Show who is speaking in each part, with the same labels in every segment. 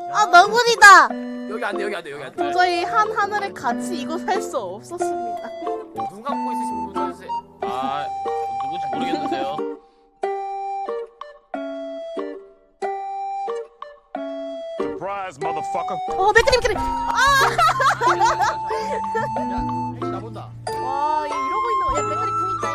Speaker 1: 아 너구리다.
Speaker 2: 여기 안 돼, 여기 안 돼, 여기 안 돼.
Speaker 1: 도저히 한 하늘에 같이 이곳 살 수 없었습니다.
Speaker 2: 눈 감고 있으신 분 써주세요.
Speaker 3: 아 누군지 모르겠는데요.
Speaker 4: Surprise, motherfucker.
Speaker 1: 맥크림.
Speaker 2: 야, 나 본다.
Speaker 1: 와, 얘 이러고 있는 거. 야, 맥크림 궁 있다.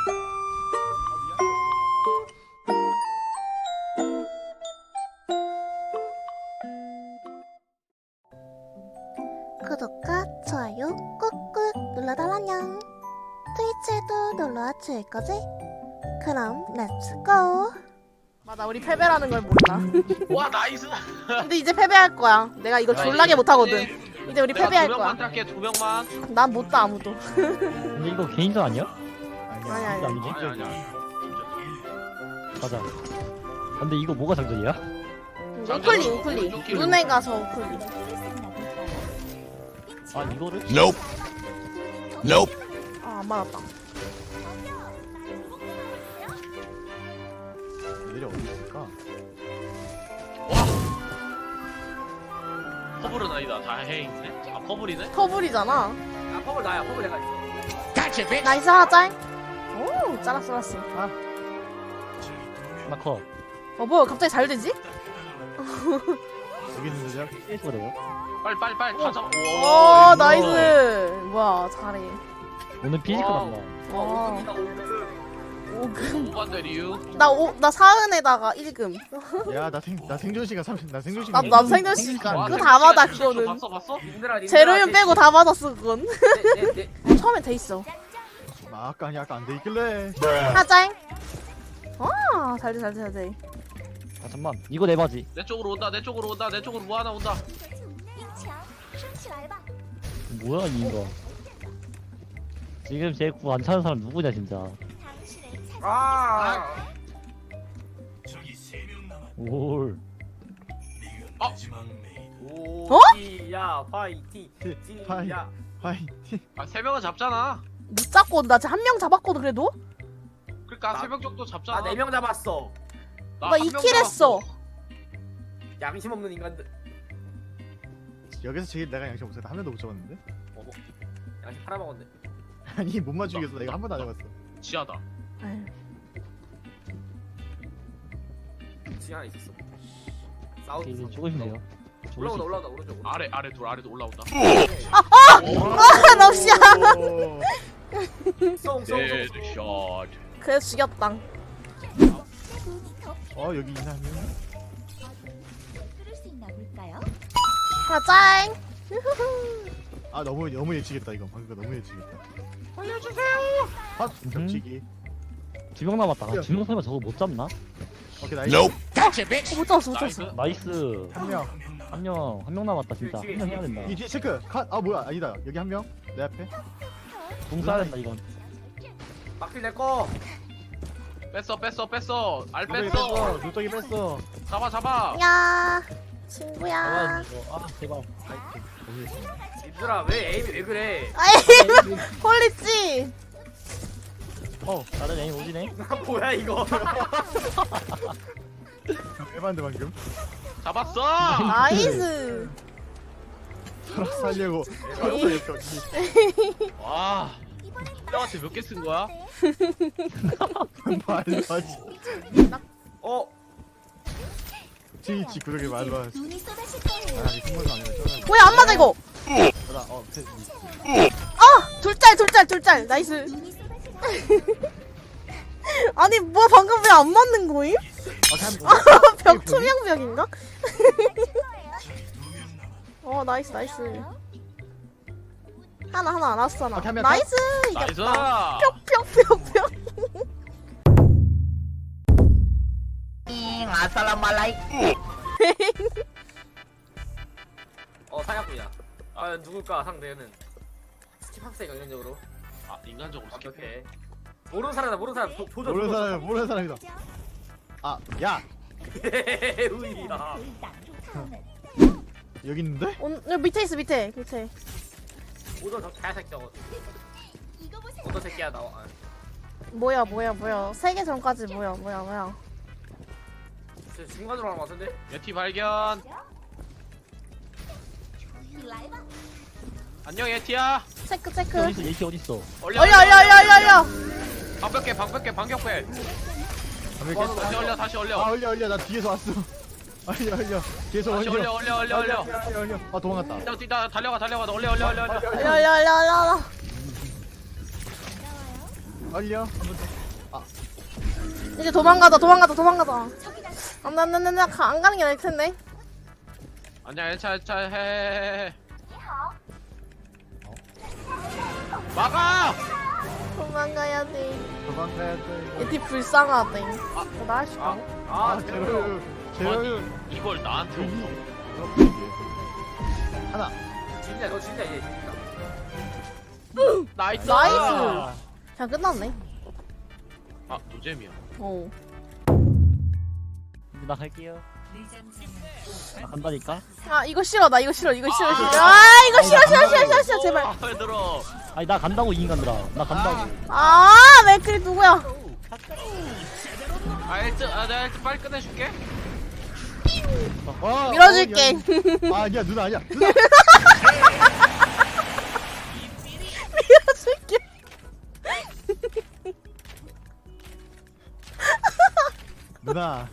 Speaker 1: 구독과 좋아요 꾹꾹 눌러달라냥. 트위치에도 놀러와 줄 거지? 그럼 렛츠고. 맞아, 우리 패배라는 걸 몰라.
Speaker 3: 와 나이스.
Speaker 1: 근데 이제 패배할 거야. 내가 이거 졸라게 못하거든. 이제 우리 패배할
Speaker 3: 두
Speaker 1: 거야.
Speaker 3: 명만 딸게, 2명만.
Speaker 1: 난 못 따 아무도.
Speaker 5: 근데 이거 개인전 아니야?
Speaker 1: 아니 아니.
Speaker 5: 아니지?
Speaker 3: 아니야.
Speaker 5: 맞아. 근데 이거 뭐가 장전이야?
Speaker 1: 우클릭. 눈에 가서 우클릭.
Speaker 5: 아 이거를?
Speaker 4: Nope. Nope.
Speaker 1: 아, 안 맞았다.
Speaker 6: 얘들이 어디 있을까?
Speaker 3: 퍼블은 아니다. 다 해있네. 아 퍼블이네.
Speaker 1: 터블이잖아.
Speaker 2: 아, 퍼블 나야, 퍼블 내가 있어.
Speaker 1: 나이스 하나 오, 잘랐어.
Speaker 5: 하나 컷.
Speaker 1: 뭐야, 갑자기 잘 되지?
Speaker 6: 여기 있는 거죠?
Speaker 5: 깨소래요?
Speaker 3: 빨리 다 잡아.
Speaker 1: 오, 나이스. 뭐야, 잘해.
Speaker 5: 오늘 피지컬
Speaker 3: 와우.
Speaker 5: 한다.
Speaker 1: 어.
Speaker 2: 오금.
Speaker 1: 5금.
Speaker 3: 오반대 이유.
Speaker 1: 나 사은에다가 1금.
Speaker 6: 야, 나 생존 시간 30. 나 생존
Speaker 1: 나
Speaker 6: 시간.
Speaker 1: 생존 시간.
Speaker 3: 와,
Speaker 1: 그거 다 받아,
Speaker 3: 진짜
Speaker 1: 그거는.
Speaker 3: 봤어?
Speaker 1: 제로윤 빼고 다 받았어, 그건.
Speaker 2: 네.
Speaker 1: 처음엔 돼 있어.
Speaker 6: 아까 안 돼 있길래.
Speaker 1: 하자잉. 와, 잘 돼.
Speaker 5: 아 잠만. 이거 내 바지.
Speaker 3: 내 쪽으로 온다. 내 쪽으로 뭐 하나 온다.
Speaker 5: 뭐야 이거? 지금 제 구 안 차는 사람 누구냐 진짜.
Speaker 2: 아.
Speaker 5: 올.
Speaker 2: 오지야 파이팅. 지야.
Speaker 6: 파이팅.
Speaker 3: 아 3명은 잡잖아.
Speaker 1: 못 잡고, 나 지금 한 명 잡았거든, 그래도?
Speaker 3: 그러니까
Speaker 2: 나-
Speaker 3: 3명 정도 잡잖아.
Speaker 2: 나 4명 잡았어.
Speaker 1: 나
Speaker 3: 한
Speaker 1: 2킬
Speaker 3: 명
Speaker 1: 했어.
Speaker 2: 양심 없는 인간들.
Speaker 6: 여기서 제일 내가 양심 없어. 한 명도 못 잡았는데?
Speaker 2: 양심 팔아먹었네.
Speaker 6: 아니 못 맞추겠어. 내가 한 번도 안 잡았어.
Speaker 3: 잡았어. 지하다.
Speaker 1: 에휴.
Speaker 2: 지 하나 있었어. 싸우.
Speaker 5: 이제 죽으시면 돼요.
Speaker 2: 올라온다 오른쪽.
Speaker 3: 아래도 올라온다.
Speaker 1: 아, 럭시야.
Speaker 2: 송.
Speaker 3: 헤드샷.
Speaker 1: 그래, 죽였다.
Speaker 6: 여기 있나 한 명?
Speaker 1: 하자잉.
Speaker 6: 아 너무 예측했다 이거. 방금 거 너무 예측했다.
Speaker 3: 알려주세요.
Speaker 6: 아 겹치기.
Speaker 5: 2명 남았다. 2명 설마 저거 못 잡나?
Speaker 6: 오케이 나이스.
Speaker 4: Nope.
Speaker 1: 못 잡았어.
Speaker 3: 나이스.
Speaker 5: 나이스.
Speaker 6: 한 명.
Speaker 5: 한 명 남았다 진짜. 한 명 해야 된다.
Speaker 6: 이 뒤에 체크. 아 뭐야 아니다. 여기 한 명. 내 앞에.
Speaker 5: 공 쏴야 된다 이건.
Speaker 2: 막힐 내 거.
Speaker 3: 뺐어. 알
Speaker 6: 눈덩이
Speaker 3: 뺐어.
Speaker 6: 눈덩이 뺐어.
Speaker 3: 잡아.
Speaker 1: 야, 친구야.
Speaker 5: 아 제발.
Speaker 6: 파이팅. 너무 예측.
Speaker 2: 얘들아 왜 에임이 왜 그래?
Speaker 1: 아이, 홀리지.
Speaker 5: 다른 애인 오지네.
Speaker 2: 뭐야 이거?
Speaker 6: 해봤는데 방금.
Speaker 3: 잡았어.
Speaker 1: 나이스.
Speaker 6: 살려고.
Speaker 3: 와. 형한테 몇 개 쓴 거야?
Speaker 6: 말로 하지.
Speaker 2: 어?
Speaker 6: 트위치 구독에 말로 하지. 아 이게 승부가 아니라 쩌나.
Speaker 1: 뭐야, 안 맞아, 이거. 둘짤. 나이스. 아니, 뭐야, 방금 왜 안 맞는 거임? 벽 투명벽인가? 나이스. 하나 라스트 하나.
Speaker 6: 오케이, 한 명,
Speaker 1: 나이스.
Speaker 3: 나이스.
Speaker 1: 이겼다. 뿅.
Speaker 2: 사냥꾼이야. 아 누굴까 상대는. 스킵합시다 인간적으로.
Speaker 3: 아 인간적으로 스킵해.
Speaker 2: 오케이. 모르는 사람 조져.
Speaker 6: 모르는 사람이다. 아, 야
Speaker 2: 우이야.
Speaker 6: 여기 있는데?
Speaker 1: 여기 밑에 있어, 밑에.
Speaker 2: 오더 저 개새끼야. 오더 새끼야 나와. 아,
Speaker 1: 뭐야. 3개 전까지 뭐야.
Speaker 2: 지금 중간으로 가는 거 같은데?
Speaker 3: 예티 발견. 안녕 예티야.
Speaker 1: 체크 체크.
Speaker 5: 어딨어 얘키 어딨어?
Speaker 3: 올려
Speaker 1: 얼려.
Speaker 3: 방벽 빼 방벽 빼. 다시 올려 다시 올려.
Speaker 6: 아 올려 나 뒤에서 왔어. 올려 계속
Speaker 3: 다시
Speaker 6: 올려.
Speaker 3: 올려.
Speaker 6: 아 도망갔다.
Speaker 3: 뛰다 달려가 올려.
Speaker 1: 얼려.
Speaker 6: 올려.
Speaker 1: 이제 도망가자. 안돼 안 가는 게 나을 텐데.
Speaker 3: 아니야 차 해. 막아.
Speaker 1: 도망가야 돼.
Speaker 6: 도망가야 돼.
Speaker 1: 얘티 불쌍하대. 나 할 수 있다.
Speaker 6: 제로유.
Speaker 3: 이걸 나한테 오고.
Speaker 6: 하나.
Speaker 2: 진짜 너 진짜 얘 진짜.
Speaker 3: 나이스.
Speaker 1: 나이스. 자 끝났네.
Speaker 3: 아 노잼이야.
Speaker 1: 어.
Speaker 5: 이제 나 갈게요. 나 간다니까?
Speaker 1: 아 이거 싫어. 아 이거 싫어. 제발.
Speaker 3: 왜 들어?
Speaker 5: 아니 나 간다고 이 인간들아. 나 간다고.
Speaker 1: 아 맥클이 누구야?
Speaker 3: 나 일찍 빨리 끝내줄게.
Speaker 1: 밀어줄게.
Speaker 6: 아니야 누나 아니야.
Speaker 1: 밀어줄게.
Speaker 6: 누나.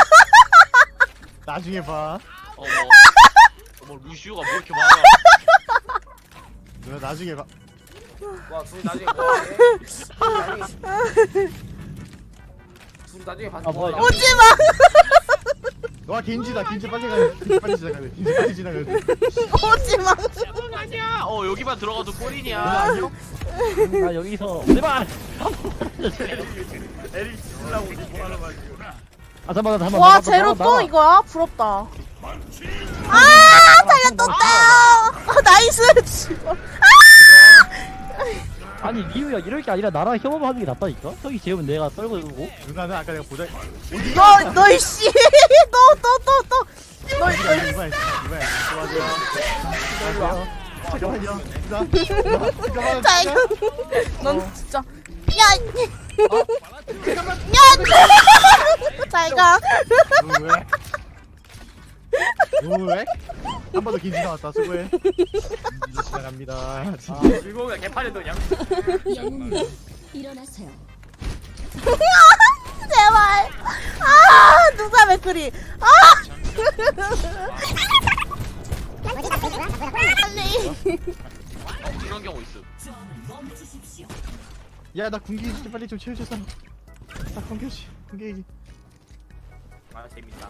Speaker 6: 나중에 봐.
Speaker 3: 어머 루시오가 뭐 이렇게 많아?
Speaker 6: 누나 나중에 봐.
Speaker 2: 와 둘이 나중에 뭐해? 둘이 나중에 봐서
Speaker 5: 아, 뭐야,
Speaker 2: 뭐
Speaker 1: 오지 마.
Speaker 6: 와 겐지다. 겐지 빨리 가야 돼. 겐지 빨리 지나가야 돼. 겐지 빨리 지나가야 돼.
Speaker 1: 오지 마.
Speaker 3: 아니야. 여기만 들어가도
Speaker 6: 누나
Speaker 3: 꼴이냐?
Speaker 6: 안녕?
Speaker 5: 나 여기서 제발. 아 잠깐만.
Speaker 1: 와 제로 또 이거야? 부럽다. 아 살렸다. 나이스.
Speaker 5: 아니 리우야 이럴 게 아니라 나랑 협업하는 게 낫다니까? 저기 재우면 내가 썰고 이러고.
Speaker 6: 누나는 아까 내가 보자.
Speaker 1: 너 이씨. 너
Speaker 6: 이봐야. 잠깐만요. 누나.
Speaker 1: 자 이거. 넌 진짜. 야. 잘 가.
Speaker 6: 왜? 한 번 더 겐지 나왔다. 수고해. 이제 지나갑니다.
Speaker 2: 즐거우면 개판에도 그냥.
Speaker 7: 일어나세요.
Speaker 1: 제발. 누가 맥크리. 빨리.
Speaker 3: 이런 경우 있어.
Speaker 6: 야, 나 군기 빨리 좀 채워줘서. 나 군기.
Speaker 2: 아 재밌다.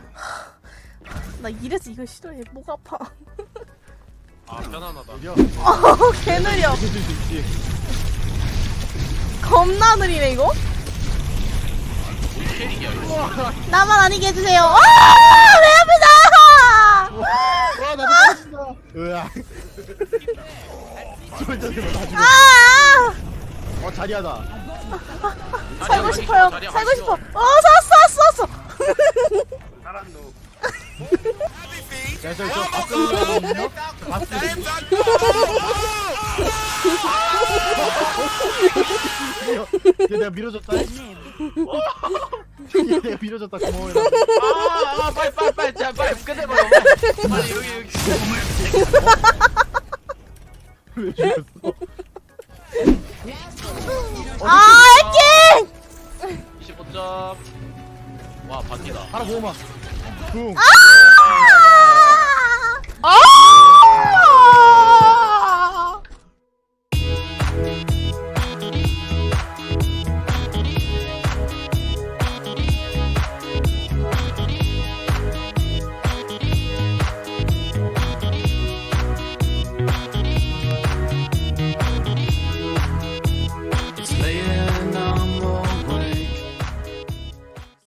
Speaker 1: 나 이래서 이거 싫어해. 목 아파.
Speaker 3: 아 편안하다.
Speaker 6: 느려.
Speaker 1: 개 느려.
Speaker 6: 해줄 수 있지.
Speaker 1: 겁나 느리네 이거.
Speaker 3: 캐릭이야 이거.
Speaker 1: 나만 아니게 해주세요. 왜 앞에
Speaker 6: 와, 나도 빠진다. 으아. 자리하다.
Speaker 1: 살고 싶어요.
Speaker 3: 자리야,
Speaker 1: 살고
Speaker 3: 맛있어.
Speaker 1: 싶어. 샀어.
Speaker 2: 사람 누.
Speaker 6: 야, 저 바스거든요. 내가 밀어줬다. 내가 밀어줬다. 고마워요.
Speaker 3: 빨리 자 빨리 끝내버려. 빨리 여기.
Speaker 6: 왜 죽였어?
Speaker 1: 해킹!
Speaker 3: 25점. 와 바뀌다.
Speaker 6: 하나 모으마. 붕.
Speaker 1: 아!